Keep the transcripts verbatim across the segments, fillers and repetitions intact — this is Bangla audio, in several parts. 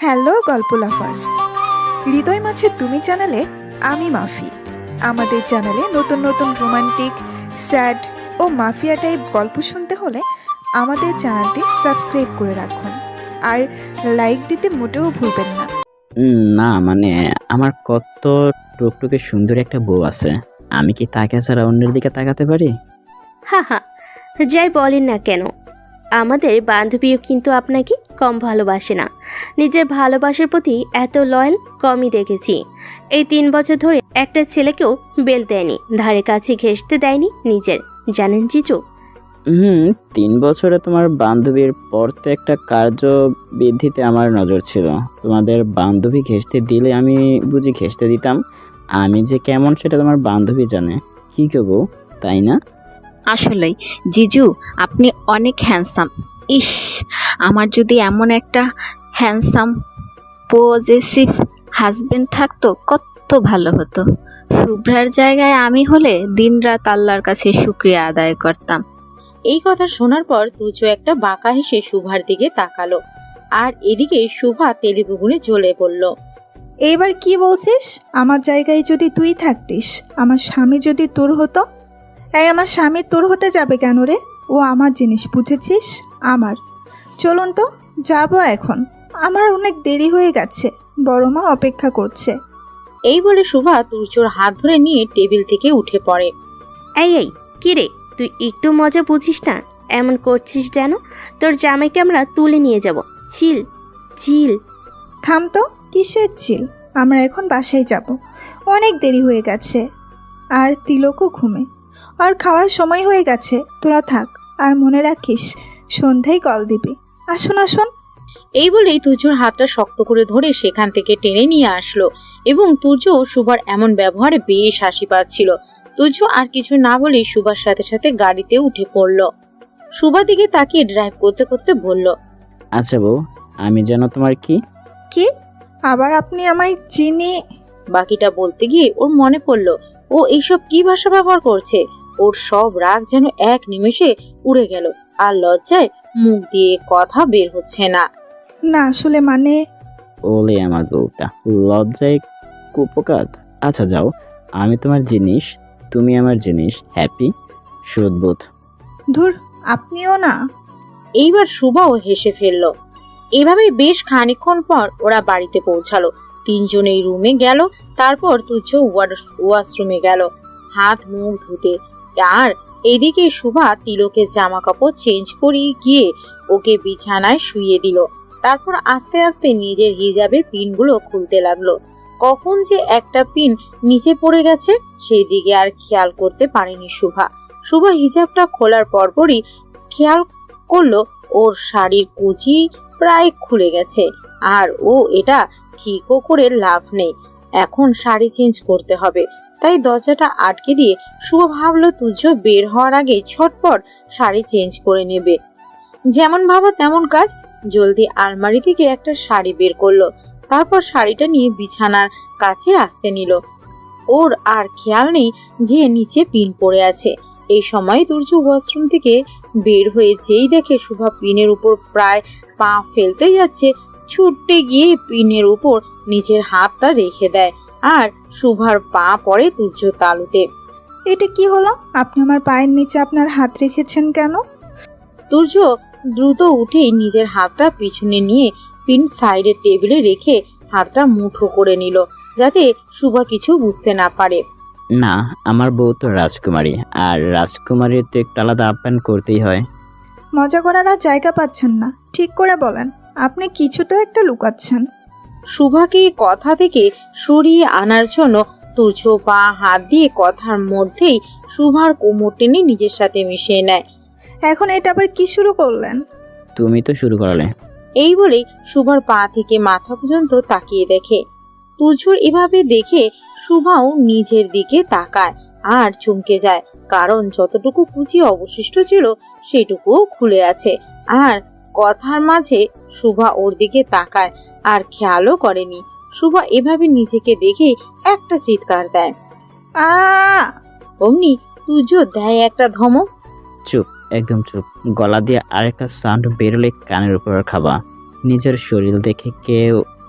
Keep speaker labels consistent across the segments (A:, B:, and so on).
A: হ্যালো গল্প লাফার্স, হৃদয় মাঝে তুমি চ্যানেলে আমি মাফি। আমাদের চ্যানেলে নতুন নতুন রোমান্টিক, স্যাড ও মাফিয়া টাইপ গল্প শুনতে হলে আমাদের চ্যানেলটি সাবস্ক্রাইব করে রাখুন আর লাইক দিতে মোটেও ভুলবেন না।
B: উম, না মানে আমার কত টুকটুকে সুন্দর একটা বউ আছে, আমি কি তাকে ছাড়া অন্যের দিকে তাকাতে পারি?
C: হা হা, যাই বলেন না কেন, আমাদের বান্ধবীও কিন্তু আপনাকে কম ভালোবাসে না। নিজের ভালোবাসার প্রতি এত লয়াল কমই দেখেছি। এই তিন বছর ধরে একটা ছেলেকেও বেল দেয়নি, ধারে কাছে ঘেঁষতে দেয়নি নিজের, জানেন জিজু?
B: হুম তিন বছরে তোমার বান্ধবীর পর তো একটা কার্যবিধিতে আমার নজর ছিল। তোমাদের বান্ধবী ঘেঁষতে দিলে আমি বুঝি ঘেঁষতে দিতাম। আমি যে কেমন সেটা তোমার বান্ধবী জানে, কি গো বউ, তাই না?
D: আসলেই জিজু, আপনি অনেক হ্যান্ডসাম। ইস, আমার যদি এমন একটা হ্যান্ডসাম পজেসিভ হাজবেন্ড থাকতো কত ভালো হতো। শুভ্রার জায়গায় আমি হলে দিনরাত আল্লাহর কাছে শুক্রিয়া আদায় করতাম।
E: এই কথা শোনার পর তুজো একটা বাঁকা হেসে শুভার দিকে তাকালো, আর এদিকে শুভা তেলেবুগুনে জ্বলে পড়ল।
A: এইবার কি বলছিস? আমার জায়গায় যদি তুই থাকতিস, আমার স্বামী যদি তোর হতো। এই আমার স্বামী তোর হতে যাবে কেন রে? ও আমার জিনিস, বুঝেছিস? আমার। চলুন তো, যাবো এখন। আমার অনেক দেরি হয়ে গেছে, বড় মা অপেক্ষা করছে।
E: এই বলে শুভা তুর্যর হাত ধরে নিয়ে টেবিল থেকে উঠে পড়ে।
C: এই এই কি রে, তুই একটু মজা বুঝিস না? এমন করছিস যেন তোর জামাইকে আমরা তুলে নিয়ে যাব। চিল চিল।
A: থাম তো, কিসের চিল? আমরা এখন বাসায় যাব, অনেক দেরি হয়ে গেছে। আর তিলকও ঘুমে, আর খাওয়ার সময় হয়ে গেছে। তোরা থাক, আর মনে রাখিস সন্ধ্যায় কল দিবি। আসুন আসুন।
E: এই বলেই তুর্যর হাতটা শক্ত করে ধরে সেখান থেকে টেনে নিয়ে আসলো, এবং তুর্য শুভার এমন ব্যবহারে বেশ হাসি পাচ্ছিল। তুর্য আর কিছু না বলেই শুভার সাথে সাথে গাড়িতে উঠে পড়ল। শুভা দিকে তাকিয়ে ড্রাইভ করতে করতে বলল,
B: আচ্ছা বউ, আমি যেন তোমার কি?
A: কি? আবার আপনি আমায় চিনি?
E: বাকিটা বলতে গিয়ে ওর মনে পড়ল ও এইসব কি ভাষা ব্যবহার করছে। ওর সব রাগ যেন এক নিমেষে উড়ে গেল, আর লজ্জায় মুখ দিয়ে কথা বের হচ্ছে না।
A: না আসলে মানে।
B: ওলে আমার বউটা, লজ্জায় কুপকাত। আচ্ছা যাও, আমি তোমার জিনিস, তুমি আমার জিনিস। হ্যাপি সুদবোধ।
A: ধুর, আপনিও না।
E: এইবার শুভাও হেসে ফেলল। এভাবে বেশ খানিকক্ষণ পর ওরা বাড়িতে পৌঁছালো। তিনজনেই রুমে গেল, তারপর তুচ্ছ ওয়াশরুমে গেল হাত মুখ ধুতে। আর এদিকে শুভা তিলকের জামা কাপড় চেঞ্জ করিয়ে গিয়ে ওকে বিছানায় শুইয়ে দিল। তারপর আস্তে আস্তে নিজের হিজাবের পিনগুলো খুলতে লাগলো। কখন যে একটা পিন নিচে পড়ে গেছে সেই দিকে আর খেয়াল করতে পারেনি শুভা। শুভা হিজাবটা খোলার পরপরই খেয়াল করলো ওর শাড়ির কুচি প্রায় খুলে গেছে, আর ও এটা ঠিকও করে লাভ নেই। এখন শাড়ি চেঞ্জ করতে হবে, তাই দরজাটা আটকে দিয়ে শুভ ভাবলো তুজ্জ বের হওয়ার আগে ছটপট শাড়ি চেঞ্জ করে নেবে। যেমন ভাবা তেমন কাজ, জলদি আলমারি থেকে একটা শাড়ি বের করলো, তারপর শাড়িটা নিয়ে বিছানার কাছে আসতে নিল। ওর আর খেয়াল নেই যে নিচে পিন পড়ে আছে। এই সময় তুর্য ওয়াশরুম থেকে বের হয়ে যেই দেখে শুভা পিনের উপর প্রায় পা ফেলতে যাচ্ছে, ছুটে গিয়ে পিনের উপর নিজের হাতটা রেখে দেয়, আর শুভার পা পড়ে তুর্য তালুতে।
A: এটা কি হলো? আপনি আমার পায়ের নিচে আপনার হাত রেখেছেন কেন?
E: তুর্য দ্রুত উঠেই নিজের হাতটা পিছনে নিয়ে পিন সাইডের টেবিলে রেখে হাতটা মুঠো করে নিল, যাতে শুভা কিছু বুঝতে না পারে।
B: না, আমার বউ তো রাজকুমারী, আর রাজকুমারীর তো একটু আলাদা আপ্যায়ন করতেই হয়।
A: মজা করার আর জায়গা পাচ্ছেন না? ঠিক করে বলেন, আপনি কিছু তো একটা লুকাচ্ছেন।
E: শুভাকে কথা থেকে সরিয়ে আনার জন্য তুর্য পা হাত দিয়ে কথার মধ্যেই শুভার কোমর টেনে নিজের সাথে মিশিয়ে নেয়।
A: এখন এটা আবার কি শুরু করলেন?
B: তুমি তো শুরু করালে।
E: এই বলেই শুভার পা থেকে মাথা পর্যন্ত তাকিয়ে দেখে। তুর্যর এভাবে দেখে শুভাও নিজের দিকে তাকায় আর চমকে যায়, কারণ যতটুকু কুচি অবশিষ্ট ছিল সেটুকুও খুলে আছে। আর কথার মাঝে শুভা ওর দিকে তাকায় আর খেয়ালও করেনি। শুভা এভাবে নিজেকে দেখে একটা চিৎকার দেয়।
A: আ
E: অমনি তুর্য দেয় একটা ধমক।
B: চুপ, একদম চুপ। গলা দিয়ে আরেকটা সাউন্ড বেরোলে কানের উপর খাবা। নিজের শরীর দেখে কেউ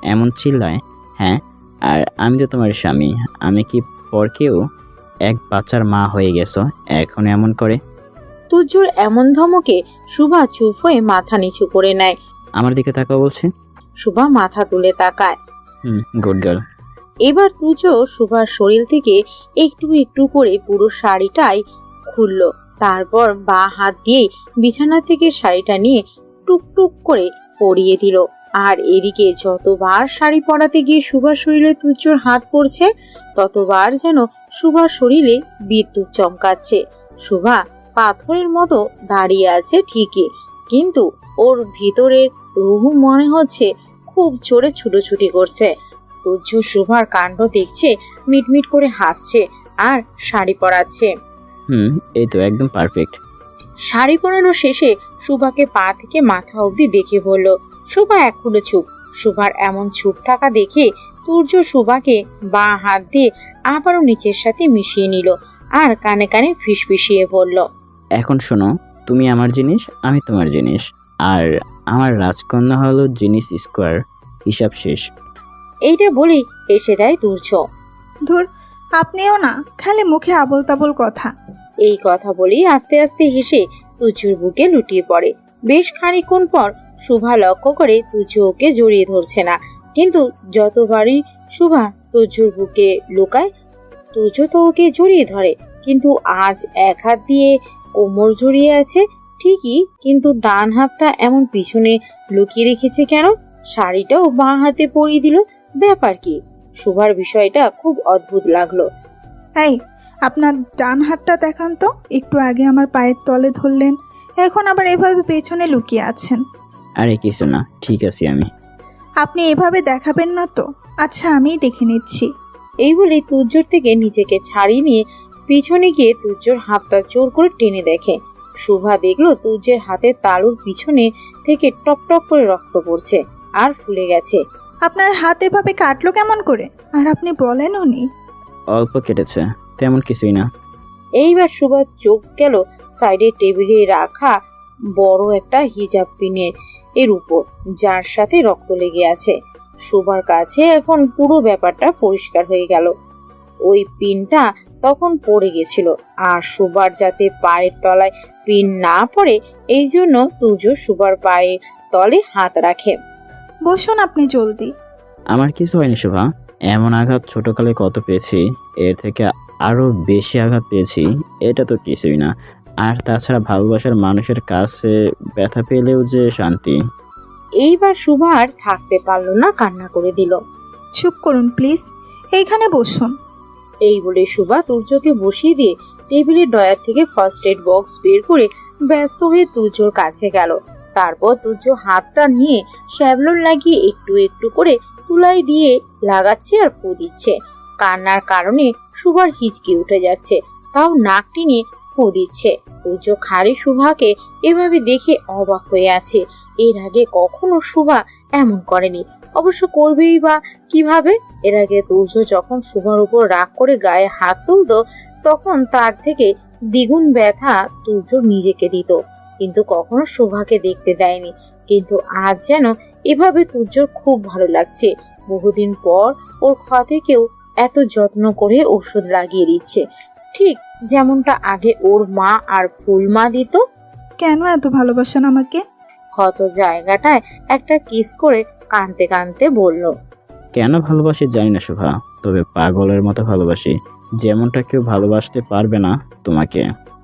B: এমন চিল্লায়? হ্যাঁ, আর আমি তো তোমার স্বামী। আমি কি পর কেউ? এক বাচ্চার মা হয়ে গেছো, এখন এমন করে?
E: তুর্যর এমন ধমকে শুভা চুপ হয়ে মাথা নিচু করে নেয়।
B: আমার দিকে তাকাও বলছি।
E: শুভা মাথা তুলে তাকায়।
B: Hmm, good girl.
E: এবার তুর্য শুভার শরীর থেকে একটু একটু করে পুরো শাড়িটাই খুলল। তারপর বা হাত দিয়ে বিছানা থেকে শাড়িটা নিয়ে টুকটুক করে পরিয়ে দিল। আর এদিকে যতবার শাড়ি পরাতে গিয়ে শুভার শরীরে তুর্যর হাত পড়ছে, ততবার যেন শুভার শরীরে বিদ্যুৎ চমকাচ্ছে। শুভা পাথরের মতো দাঁড়িয়ে আছে ঠিকই, কিন্তু ওর ভিতরের রুহু মনে হচ্ছে খুব জোরে ছুটোছুটি করছে। তুর্য শুভার কাণ্ড দেখছে, মিটমিট করে হাসছে আর শাড়ি পরাচ্ছে।
B: হুম, এই তো একদম পারফেক্ট।
E: শাড়ি পরানো শেষে শুভাকে পা থেকে মাথা অবধি দেখে বলল। শুভা এখনো চুপ। শুভার এমন চুপ থাকা দেখে তুর্য শুভাকে বাঁ হাত দিয়ে আবারও নিচের সাথে মিশিয়ে নিল আর কানে কানে ফিসফিসিয়ে বলল,
B: এখন শোনো, তুমি আমার জিনিস, আমি তোমার জিনিস, আর আমার রাজকন্যা হলো জিনিস স্কোয়ার। হিসাব শেষ।
E: এইটা বলেই এসে দেয় তুর্য।
A: ধুর, আপনিও না, খালি মুখে আবল তাবল কথা।
E: এই কথা বলেই আস্তে আস্তে হেসে তুর্যর বুকে লুটিয়ে পড়ে। বেশ খানিকক্ষণ পর শুভা লক্ষ্য করে তুর্য ওকে জড়িয়ে ধরছে না, কিন্তু যতবারই শুভা তুর্যর বুকে লুকায়, তুর্য তো ওকে জড়িয়ে ধরে। কিন্তু আজ এক হাত দিয়ে কোমর জড়িয়ে আছে ঠিকই, কিন্তু ডান হাতটা এমন পিছনে লুকিয়ে রেখেছে কেন? শাড়িটাও বাঁ হাতে পরিয়ে দিল, ব্যাপার কি? শুভার বিষয়টা খুব অদ্ভুত লাগলো।
A: এই, আপনার ডান হাতটা দেখান তো। একটু আগে আমার পায়ের তলে ধরলেন, এখন আবার এভাবে পেছনে লুকিয়ে আছেন।
B: আরে কিছু না, ঠিক আছি আমি।
A: আপনি এভাবে দেখাবেন না তো। আচ্ছা, আমিই দেখে নিচ্ছি।
E: এই বলে তুর্যর থেকে নিজেকে ছাড়িয়ে নিয়ে পিছনে গিয়ে তুর্যর হাতটা জোর করে টেনে দেখে। শুভা দেখলো তুর্যের হাতের তালুর পিছনে থেকে টপ টপ করে রক্ত পড়ছে আর ফুলে গেছে।
A: আপনার হাত এভাবে কাটলো কেমন করে? আর আপনি বলেনও নি।
B: অল্প কেটেছে, তেমন কিছুই না।
E: এইবার সুভার চোখ গেল সাইডে টেবিলে রাখা বড় একটা হিজাব পিনের এর উপর, যার সাথে রক্ত লেগে আছে। সুভার কাছে এখন পুরো ব্যাপারটা পরিষ্কার হয়ে গেল। ওই পিনটা তখন পড়ে গেছিল, আর সুভার যাতে পায়ের তলায় পিন না পড়ে এই জন্য তুর্য সুভার পায়ের তলে হাত রাখে।
A: বসুন আপনি জলদি।
B: আমার কিছু হয়নি শোভা। এমন আঘাত ছোটকালে কত পেয়েছি, এর থেকে আরো বেশি আঘাত পেয়েছি। এটা তো কিছুই না। আর তাছাড়া ভালোবাসার মানুষের কাছে ব্যথা পেলেও যে শান্তি।
E: এইবার সুভা আর থাকতে পারলো না, কান্না করে দিল।
A: চুপ করুন প্লিজ, এইখানে বসুন।
E: এই বলে সুভা তুর্যকে বসিয়ে দিয়ে টেবিলের ডয়ার থেকে ফার্স্ট এড বক্স বের করে ব্যস্ত হয়ে তুর্যর কাছে গেল। তারপর তুর্য হাতটা নিয়ে শ্যাভলন লাগিয়ে একটু একটু করে তুলাই দিয়ে লাগাচ্ছে আর ফু দিচ্ছে। কান্নার কারণে সুভার হিচকি উঠে যাচ্ছে, তাও নাক টেনে ফু দিচ্ছে। তুর্য খাড়ি সুভাকে এভাবে দেখে অবাক হয়ে আছে। এর আগে কখনো সুভা এমন করেনি, অবশ্য করবেই বা কিভাবে? এর আগে তুর্য যখন সুভার উপর রাগ করে গায়ে হাত তুলত, তখন তার থেকে দ্বিগুণ ব্যথা তুর্য নিজেকে দিত, কিন্তু কখনো শোভাকে দেখতে দেয়নি। কিন্তু আজ যেন এভাবে তুর্যর খুব ভালো লাগছে। বহুদিন পর ওর ক্ষতে কেউ এত যত্ন করে ওষুধ লাগিয়ে দিচ্ছে, ঠিক যেমনটা আগে ওর মা আর ফুল মা দিত।
A: কেন এত ভালোবাসেন আমাকে?
E: ক্ষত জায়গাটায় একটা কিস করে কাঁদতে কাঁদতে বলল,
B: কেন ভালোবাসি জানি না শোভা, তবে পাগলের মতো ভালোবাসি, যেমনটা কেউ ভালোবাসতে পারবে না তোমাকে।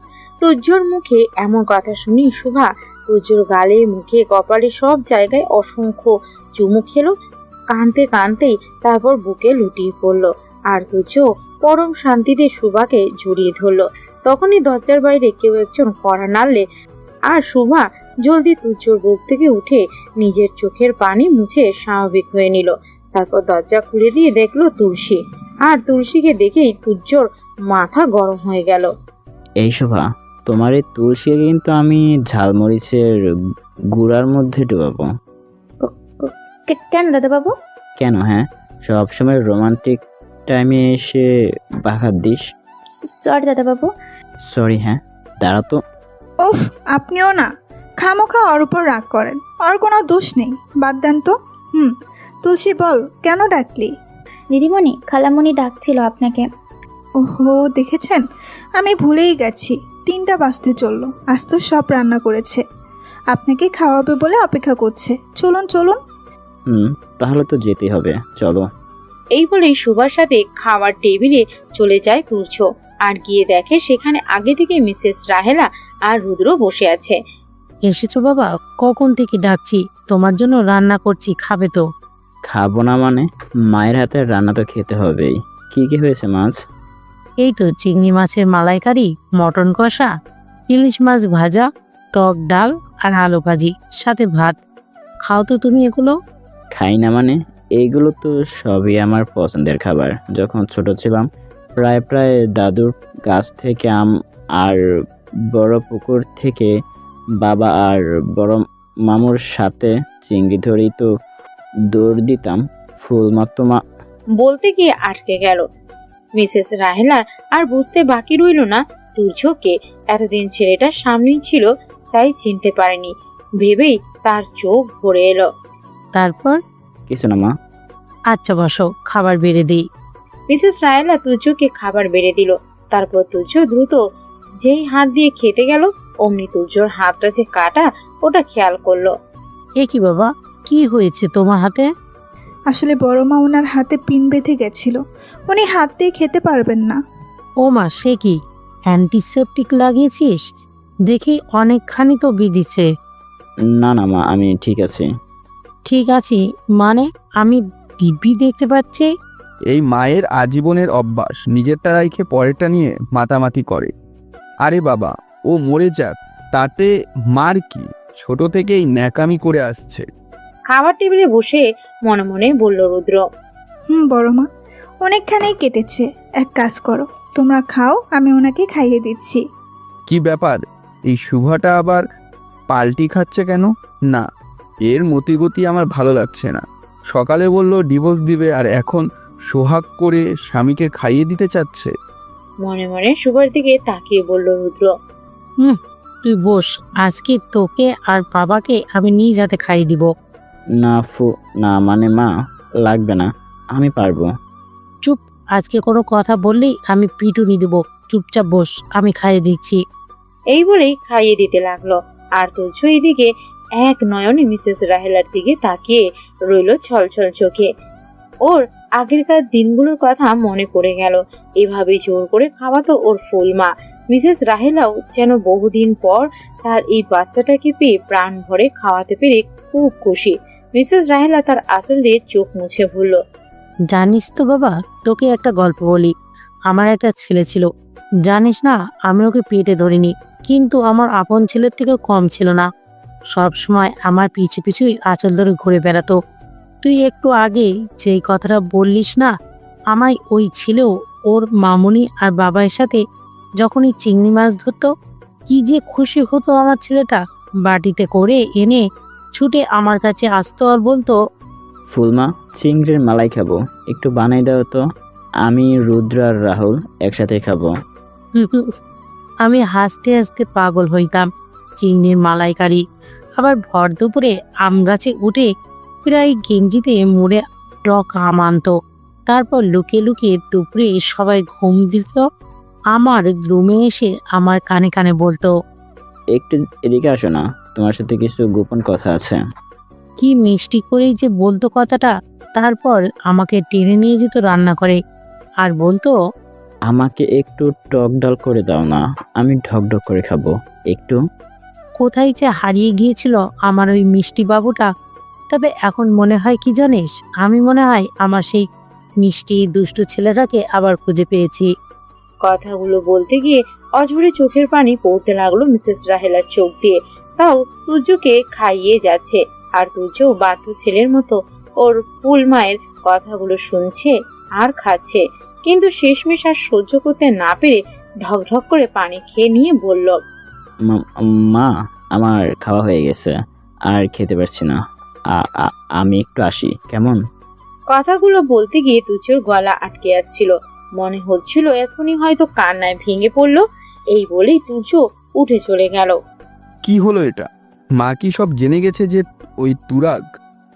E: তুর্যর মুখে এমন কথা শুনি শুভা তুর্যর গালে, মুখে, কপালে সব জায়গায় অসংখ্য চুমু খেলো। কাঁদতে কাঁদতেই তারপর বুকে লুটিয়ে পড়ল, আর তুর্য পরম শান্তিতে শুভাকে জড়িয়ে ধরল। তখনই দরজার বাইরে কেউ একজন কড়া নাড়লে, আর শুভা জলদি তুর্যর বুক থেকে উঠে নিজের চোখের পানি মুছে স্বাভাবিক হয়ে নিল। তারপর দরজা খুলে দিয়ে দেখলো তুলসী, আর তুলসীকে দেখেই তুর্যর মাথা গরম হয়ে গেল।
B: এই শোভা, তোমার এই তুলসী কিন্তু আমি ঝালমরিচের গুঁড়ার মধ্যে ডুবাবো।
C: কেন দাদা বাবু?
B: কেন? হ্যাঁ, সবসময় রোমান্টিক টাইমে এসে বাঘাত দিস।
C: সরি দাদা বাবু।
B: সরি? হ্যাঁ, দাঁড়া তো।
A: উফ, আপনিও না, খামোখা ওর উপর রাগ করেন। ওর কোনো দোষ নেই, বাদ দেন তো। হুম, তুলসী বল, কেন ডাকলি?
F: দিদিমণি, খালামণি ডাকছিল আপনাকে।
A: ওহো, দেখেছেন, আমি ভুলেই গেছি। তিনটা বাজতে চললো, আজ তো সব রান্না করেছে, আপনাকে খাওয়াবে বলে অপেক্ষা করছে। চলুন চলুন।
B: হুম, তাহলে তো যেতেই হবে, চলো।
E: এই বলেই সুভার সাথে খাওয়ার টেবিলে চলে যায় তুর্য, আর গিয়ে দেখে সেখানে আগে থেকে মিসেস রাহেলা আর রুদ্র বসে আছে।
G: এসেছো বাবা? কখন থেকে ডাকছি, তোমার জন্য রান্না করছি, খাবে তো?
B: খাবো না মানে? মায়ের হাতের রান্না তো খেতে হবেই। কি কি হয়েছে মাছ?
G: এই তো চিংড়ি মাছের মালাইকারি, মটন কষা, ইলিশ মাছ ভাজা, টক ডাল আর আলু ভাজি, সাথে ভাত। খাও তো তুমি এগুলো।
B: খাই না মানে? এইগুলো তো সবই আমার পছন্দের খাবার। যখন ছোট ছিলাম প্রায় প্রায় দাদুর গাছ থেকে আম আর বড় পুকুর থেকে বাবা আর বড় মামুর সাথে চিংড়ি ধরেই তো দৌড় দিতাম। ফুল মাত্র মা
E: বলতে গিয়ে আটকে গেল মিসেস রাহেলার। আর বুঝতে বাকি রইল না তুর্যকে এতদিন ছেলেটা সামনেই ছিল, তাই চিনতে পারেনি ভেবেই তার চোখ ভরে এলো।
G: তারপর?
B: কিছু না মা।
G: আচ্ছা বসো, খাবার বেড়ে দিই।
E: মিসেস রাহেলা তুর্যকে খাবার বেড়ে দিল। তারপর তুর্য দ্রুত যেই হাত দিয়ে খেতে গেল, অমনি তুর্যর হাতটা যে কাটা ওটা খেয়াল করলো।
G: এ কি বাবা, কি হয়েছে তোমার হাতে?
A: আসলে বড় মা ওনার হাতে পিন বেঁধে গেছিল, উনি হাত দিয়ে খেতে পারবেন না।
G: ও মা, সে কি? অ্যান্টিসেপটিক লাগিয়েছিস? দেখি অনেকখানি তো বিধিছে।
B: না না মা, আমি ঠিক আছি।
G: ঠিক আছি মানে? আমি দিব্যি দেখতে পাচ্ছি।
H: এই মায়ের আজীবনের অভ্যাস, নিজেরটা রাইখে পরেরটা নিয়ে মাতামাতি করে। আরে বাবা, ও মরে যাক, তাতে মার কি? ছোট থেকেই ন্যাকামি করে আসছে।
E: খাবার টেবিলে বসে মনে মনে বলল রুদ্র।
A: হুম বড় মা, অনেকখানেই কেটেছে। এক কাজ করো, তোমরা খাও, আমি ওনাকে খাইয়ে দিচ্ছি।
H: কি ব্যাপার, এই শুভাটা আবার পাল্টি খাচ্ছে কেন? না, এর মতিগতি আমার ভালো লাগছে না। সকালে বলল ডিভোর্স দিবে, আর এখন সোহাগ করে স্বামীকে খাইয়ে দিতে চাচ্ছে।
E: মনে মনে সুভার দিকে তাকিয়ে বলল রুদ্র।
G: হুম, তুই বস, আজকে তোকে আর বাবাকে আমি নিজ হাতে খাইয়ে দিব।
B: না ফু না মানে মা, লাগবে না, আমি পারবো।
G: চুপ, আজকে কোনো কথা বললেই আমি পিটুনি দিব। চুপচাপ বস, আমি খাইয়ে দিচ্ছি।
E: এই বলেই খাইয়ে দিতে লাগলো। আর তুর্য এদিকে এক নয়নে মিসেস রাহেলার দিকে তাকিয়ে রইল ছলছল চোখে। ওর আগেরকার দিনগুলোর কথা মনে পড়ে গেল। এভাবে জোর করে খাওয়াতো ওর ফুল মা। মিসেস রাহেলাও যেন বহুদিন পর তার এই বাচ্চাটাকে পেয়ে প্রাণ ভরে খাওয়াতে পেরে খুব খুশি। মিসেস রাহেলা তার আঁচল দিয়ে চোখ মুছে ভুলল।
G: জানিস তো বাবা, তোকে একটা গল্প বলি। আমার একটা ছেলে ছিল, জানিস না, আমি ওকে পেটে ধরিনি, কিন্তু আমার আপন ছেলের থেকে কম ছিল না। সব সময় আমার পিছু পিছুই আঁচল ধরে ঘুরে বেড়াতো। তুই একটু আগে যেই কথাটা বললিস না, আমায় ওই ছিল ওর মামুনি আর বাবার সাথে যখনই চিংড়ি মাছ ধরতো, কি যে খুশি হতো আমার ছেলেটা। বাটিতে করে এনে ছুটে আমার কাছে আসতো আর বলতো,
B: ফুলমা, চিংড়ির মালাই খাবো, একটু বানাই দাও তো। আমি রুদ্র আর রাহুল একসাথে খাবো।
G: আমি হাসতে হাসতে পাগল হইতাম। চিংড়ির মালাইকারি, আবার ভর দুপুরে আম গাছে উঠে প্রায় গেঞ্জিতে মুড়ে টক আম আনতো। তারপর লুকিয়ে লুকিয়ে দুপুরে সবাই ঘুম দিত, আমার রুমে এসে আমার কানে কানে বলতো,
B: একটু এদিকে আসো না, তোমার সাথে কিছু গোপন কথা আছে।
G: কি মিষ্টি করেই যে বলতো কথাটা। তারপর আমাকে টেনে নিয়ে যেত রান্না করে আর বলতো,
B: আমাকে একটু টক ডাল করে দাও না, আমি ঢক ঢক করে খাবো একটু।
G: কোথায় যে হারিয়ে গিয়েছিল আমার ওই মিষ্টি বাবুটা। তবে এখন মনে হয় কি জানিস, আমি মনে হয় আমার সেই মিষ্টি দুষ্টু ছেলেটাকে আবার খুঁজে পেয়েছি।
E: কথাগুলো বলতে গিয়ে অঝরে চোখের পানি পড়তে লাগলো মিসেস রাহেলার চোখ দিয়ে। তাও তুর্যকে খাইয়ে যাচ্ছে, আর তুর্য বাধ্য ছেলের মতো ওর ফুল মায়ের কথাগুলো শুনছে আর খাচ্ছে। কিন্তু শেষমেশ আর সহ্য করতে না পেরে ঢক ঢক করে পানি খেয়ে নিয়ে বলল,
B: মা- মা, আমার খাওয়া হয়ে গেছে, আর খেতে পারছি না। আ- আ- আমি একটু আসি, কেমন?
E: কথাগুলো বলতে গিয়ে তুর্যর গলা আটকে আসছিল। মনে হচ্ছিল এখনই হয়তো কান্নায় ভেঙে পড়লো। এই বলেই তুর্য উঠে চলে গেল।
H: কি হলো এটা? মা কি সব জেনে গেছে যে ওই তুরাগ?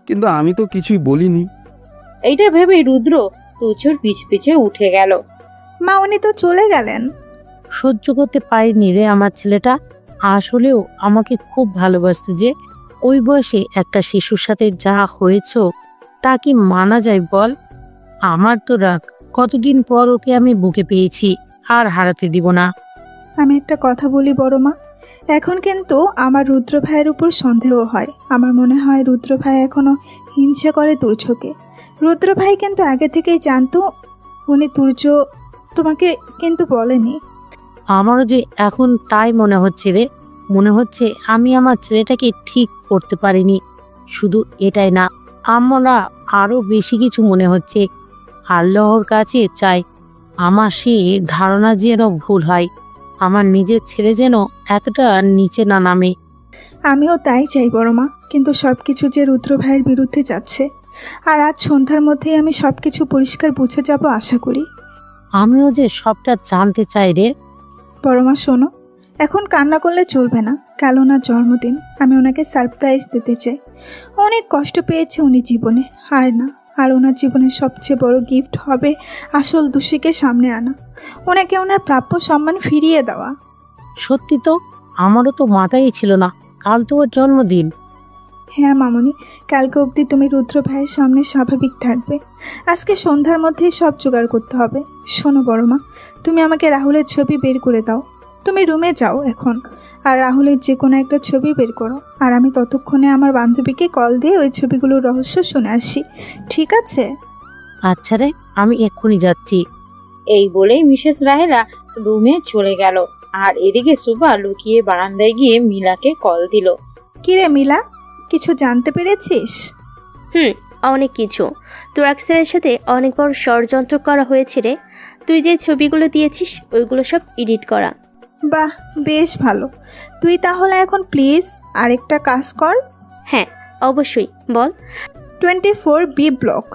H: কিন্তু আমি তো কিছুই বলিনি।
E: এইটা ভেবে রুদ্র তুজোর পিছে পিছে উঠে গেল।
A: মা উনি তো চলে গেলেন।
G: সহ্য করতে পারিনি রে আমার ছেলেটা। আসলেও আমাকে খুব ভালোবাসতো যে। ওই বয়সে একটা শিশুর সাথে যা হয়েছ তা কি মানা যায় বল? আমার তো রাগ, কতদিন পর ওকে আমি বুকে পেয়েছি, আর হারাতে দিব না।
A: আমি একটা কথা বলি বড় মা, এখন কিন্তু আমার রুদ্র ভাইয়ের উপর সন্দেহ হয়। আমার মনে হয় রুদ্র ভাই এখনো হিংসা করে তুর্যকে। রুদ্র ভাই কিন্তু আগে থেকেই জানতো উনি তুর্য তোমাকে কিন্তু বলেনি।
G: আমারও যে এখন তাই মনে হচ্ছে রে। মনে হচ্ছে আমি আমার ছেলেটাকে ঠিক করতে পারিনি। শুধু এটাই না, আমরা আরো বেশি কিছু মনে হচ্ছে। আল্লাহর কাছে চাই আমার সে ধারণা যেন ভুল হয়, আমার নিজের ছেলে যেন এতটা নিচে না নামে।
A: আমিও তাই চাই বড় মা, কিন্তু সব কিছু যে রুদ্র ভাইয়ের বিরুদ্ধে যাচ্ছে। আর আজ সন্ধ্যার মধ্যেই আমি সব কিছু পরিষ্কার বুঝে যাব আশা করি।
G: আমিও যে সবটা জানতে চাই রে।
A: বড় মা শোনো, এখন কান্না করলে চলবে না। কাল ওনার জন্মদিন, আমি ওনাকে সারপ্রাইজ দিতে চাই। অনেক কষ্ট পেয়েছে উনি জীবনে, আর না আর ওনার জীবনের সবচেয়ে বড় গিফট হবে আসল দোষীকে সামনে আনা, ওনাকে ওনার প্রাপ্য সম্মান ফিরিয়ে দেওয়া।
G: সত্যি তো, আমারও তো মাথায় ছিল না কাল তো ওর জন্মদিন।
A: হ্যাঁ মামনি, কালকে অবধি তুমি রুদ্র ভাইয়ের সামনে স্বাভাবিক থাকবে। আজকে সন্ধ্যার মধ্যেই সব জোগাড় করতে হবে। শোনো বড় মা, তুমি আমাকে রাহুলের ছবি বের করে দাও। তুমি রুমে যাও এখন, আর রাহুলের যে কোনো একটা ছবি বের করো, আর আমি ততক্ষণে আমার বান্ধবীকে কল দিয়ে ওই ছবিগুলোর রহস্য শুনে আসি, ঠিক আছে?
G: আচ্ছা রে, আমি এক্ষুনি যাচ্ছি।
E: এই বলেই মিসেস রাহেলা রুমে চলে গেল। আর এদিকে সুভা লুকিয়ে বারান্দায় গিয়ে মিলাকে কল দিল।
A: কিরে মিলা, কিছু জানতে পেরেছিস?
C: হুম, অনেক কিছু। তোর আকসারের সাথে অনেক বড় ষড়যন্ত্র করা হয়েছে রে। তুই যে ছবিগুলো দিয়েছিস ওইগুলো সব এডিট করা।
A: বাহ, বেশ ভালো। তুই তাহলে এখন প্লিজ আরেকটা কাজ কর।
C: হ্যাঁ অবশ্যই, বল।
A: Twenty four B block,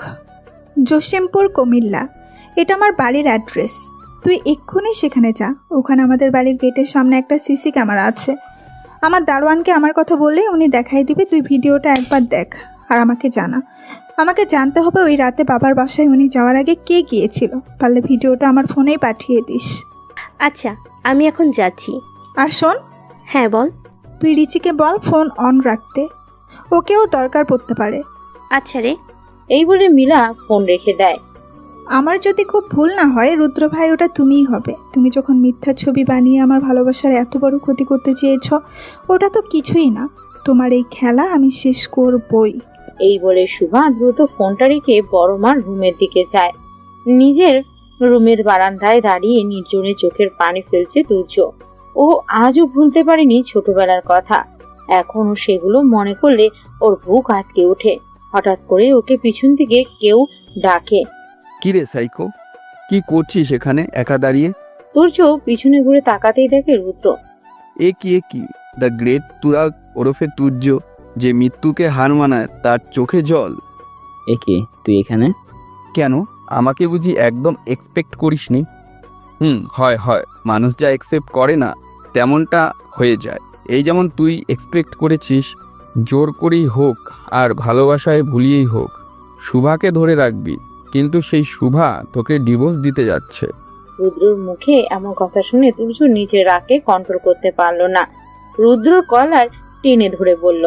A: Jasimpur, Comilla. এটা আমার বাড়ির অ্যাড্রেস। তুই এক্ষুনি সেখানে যা। ওখানে আমাদের বাড়ির গেটের সামনে একটা সিসি ক্যামেরা আছে। আমার দারোয়ানকে আমার কথা বললে উনি দেখাই দিবে। তুই ভিডিওটা একবার দেখ আর আমাকে জানা। আমাকে জানতে হবে ওই রাতে বাবার বাসায় উনি যাওয়ার আগে কে গিয়েছিল। পারলে ভিডিওটা আমার ফোনেই পাঠিয়ে দিস।
C: আচ্ছা, আমি এখন যাচ্ছি।
A: আর শোন,
C: হ্যাঁ বল।
A: তুই রিচিকে বল ফোন অন রাখতে, ওকেও দরকার পড়তে পারে।
C: আচ্ছা রে।
E: এই বলে মিলা ফোন রেখে দেয়।
A: আমার যদি খুব ভুল না হয় রুদ্র ভাই, ওটা তুমিই হবে। তুমি যখন মিথ্যা ছবি বানিয়ে আমার ভালোবাসার এত বড় ক্ষতি করতে চেয়েছ, ওটা তো কিছুই না। তোমার এই খেলা আমি শেষ করবই।
E: এই বলে সুভা দ্রুত ফোনটা রেখে বড় মার রুমের দিকে যায়। নিজের রুমের বারান্দায় দাঁড়িয়ে নির্জনে চোখের পানি ফেলছে তুর্য। ও আজও ভুলতে পারেনি ছোটবেলার কথা। এখনও সেগুলো মনে করলে ওর বুক আটকে ওঠে। হঠাৎ করে ওকে পিছন থেকে কেউ ডাকে।
H: কি রে সাইকো, কি করছিস এখানে একা দাঁড়িয়ে?
E: তুর্য পিছনে ঘুরে তাকাতেই দেখে রুদ্র।
H: এ কি এ কি দ্য গ্রেট তুরাগ ওরফে তুর্য, যে মৃত্যুকে হার মানায়, তার চোখে জল।
B: এ কি, তুই এখানে?
H: কেন, আমাকে বুঝি একদম এক্সপেক্ট করিসনি? হুম, হয় হয়, মানুষ যা একসেপ্ট করে না তেমনটা হয়ে যায়। এই যেমন তুই এক্সপেক্ট করেছিস, জোর করেই হোক আর ভালোবাসায় ভুলিয়েই হোক শুভাকে ধরে রাখবি, কিন্তু সেই শুভা তোকে ডিভোর্স দিতে যাচ্ছে।
E: রুদ্রর মুখে এমন কথা শুনে তুর্য নিজের রাগকে কন্ট্রোল করতে পারল না। রুদ্রর কলার টেনে ধরে বলল,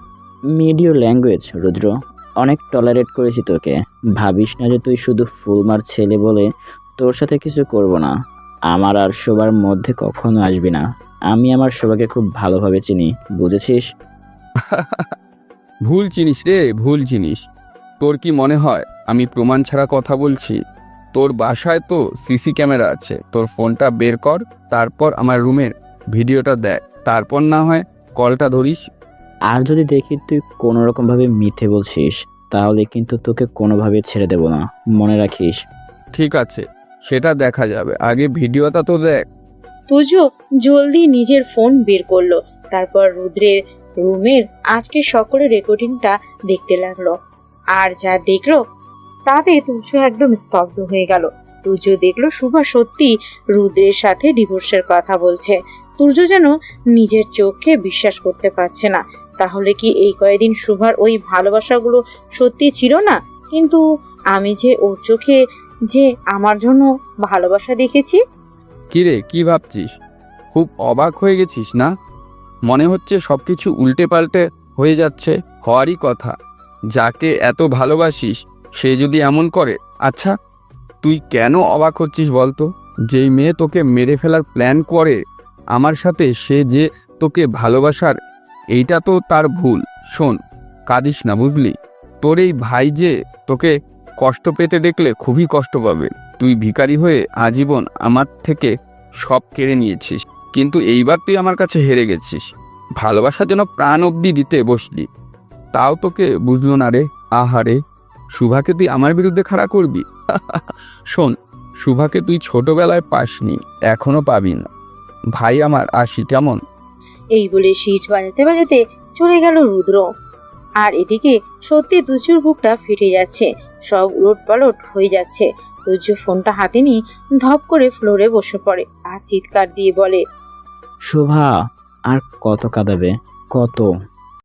B: মিডিও ল্যাঙ্গুয়েজ রুদ্র, অনেক টলারেট করেছি তোকে। ভাবিস না যে তুই শুধু ফুলমার ছেলে বলে তোর সাথে কিছু করব না। আমার আর শোবার মধ্যে কখনো আসবি না। আমি আমার শোভাকে খুব ভালোভাবে চিনি, বুঝেছিস?
H: ভুল চিনিস রে, ভুল চিনিস। তোর কি মনে হয় আমি প্রমাণ ছাড়া কথা বলছি? তোর বাসায় তো সিসি ক্যামেরা আছে, তোর ফোনটা বের কর, তারপর আমার রুমের ভিডিওটা দেখ, তারপর না হয় কলটা ধরিস।
B: আর যদি দেখি তুই কোনো রকমভাবে মিথ্যে বলছিস, তাহলে কিন্তু তোকে কোনোভাবে ছেড়ে দেব না, মনে রাখিস।
H: ঠিক আছে, সেটা দেখা যাবে, আগে ভিডিওটা তো দেখ।
E: তুর্য জলদি নিজের ফোন বের করলো। তারপর রুদ্রের রুমের আজকে সকলের রেকর্ডিংটা দেখতে লাগলো। আর যা দেখলো তাতে তুর্য একদম স্তব্ধ হয়ে গেল। তুর্য দেখলো শুভা সত্যি রুদ্রের সাথে ডিভোর্সের কথা বলছে। তুর্য যেন নিজের চোখকে বিশ্বাস করতে পারছে না। তাহলে কি এই কয়েকদিন শুভার ওই ভালোবাসাগুলো সত্যি ছিল না? কিন্তু আমি যে ওর চোখে যে আমার জন্য ভালোবাসা দেখেছি।
H: কিরে, কি ভাবছিস? খুব অবাক হয়ে গেছিস না? মনে হচ্ছে সব কিছু উল্টে পাল্টে হয়ে যাচ্ছে। হওয়ারই কথা, যাকে এত ভালোবাসিস সে যদি এমন করে। আচ্ছা, তুই কেন অবাক হচ্ছিস বলতো? যেই মেয়ে তোকে মেরে ফেলার প্ল্যান করে আমার সাথে, সে যে তোকে ভালোবাসার, এইটা তো তার ভুল। শোন, কাঁদিস না, বুঝলি? তোর এই ভাই যে তোকে কষ্ট পেতে দেখলে খুবই কষ্ট পাবে। তুই ভিখারি হয়ে আজীবন আমার থেকে সব কেড়ে নিয়েছিস, কিন্তু এইবার তুই আমার কাছে হেরে গেছিস। ভালোবাসার জন্য প্রাণ অবধি দিতে বসলি, তাও তোকে বুঝলো না রে। আহারে, শুভাকে তুই আমার বিরুদ্ধে খাড়া করবি? শোন, শুভাকে তুই ছোটবেলায় পাসনি, এখনো পাবি না। ভাই আমার, আসি কেমন?
E: এই বলে শীষ বাজাতে বাজাতে চলে গেল রুদ্র। আর এদিকে সত্যি তুজুর বুকটা ফেটে যাচ্ছে, সব উলট পালট হয়ে যাচ্ছে। তুজু ফোনটা হাতে নিয়ে ধপ করে ফ্লোরে বসে পড়ে আর চিৎকার দিয়ে বলে,
B: শোভা, আর কত কাঁদাবে? কত?